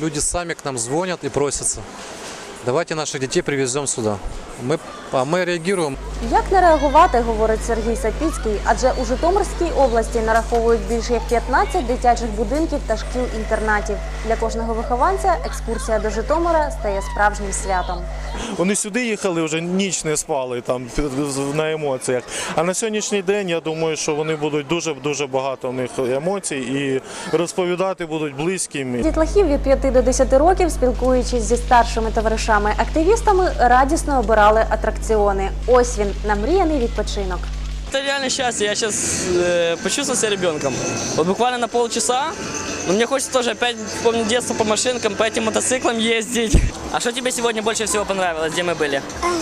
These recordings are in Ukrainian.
люди сами к нам звонят и просятся. Давайте наших детей привезем сюда. Мы реагируем. Як не реагувати, говорить Сергій Сапіцький, адже у Житомирській області нараховують більше як 15 дитячих будинків та шкіл-інтернатів. Для кожного вихованця екскурсія до Житомира стає справжнім святом. Вони сюди їхали, вже ніч не спали там на емоціях. А на сьогоднішній день, я думаю, що вони будуть дуже багато в них емоцій і розповідати будуть близьким. Дітлахів від 5 до 10 років, спілкуючись зі старшими товаришами-активістами, радісно обирали атракціони. Ось він, намріяний відпочинок. Это реально счастье. Я сейчас почувствовал себя ребенком. Вот буквально на полчаса. Но мне хочется тоже опять вспомнить детство по машинкам, по этим мотоциклам ездить. А что тебе сегодня больше всего понравилось? Где мы были?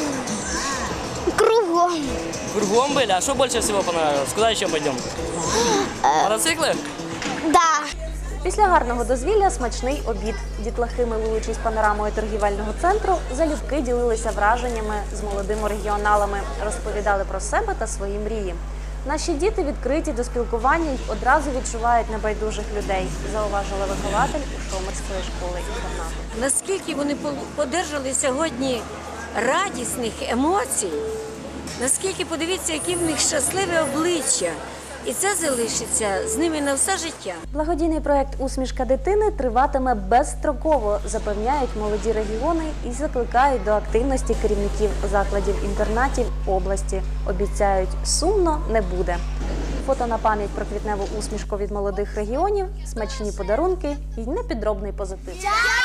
Кругом. Кругом были? А что больше всего понравилось? Куда еще пойдем? Мотоциклы? Да. Після гарного дозвілля смачний обід. Дітлахи, милуючись панорамою торгівельного центру, залюбки ділилися враженнями з молодими регіоналами, розповідали про себе та свої мрії. Наші діти відкриті до спілкування й одразу відчувають небайдужих людей, зауважила вихователь Житомирської школи-інтернату. Наскільки вони подержали сьогодні радісних емоцій, наскільки, подивіться, які в них щасливе обличчя. І це залишиться з ними на все життя. Благодійний проєкт «Усмішка дитини» триватиме безстроково, запевняють молоді регіони і закликають до активності керівників закладів-інтернатів області. Обіцяють, сумно не буде. Фото на пам'ять про квітневу усмішку від молодих регіонів, смачні подарунки і непідробний позитив.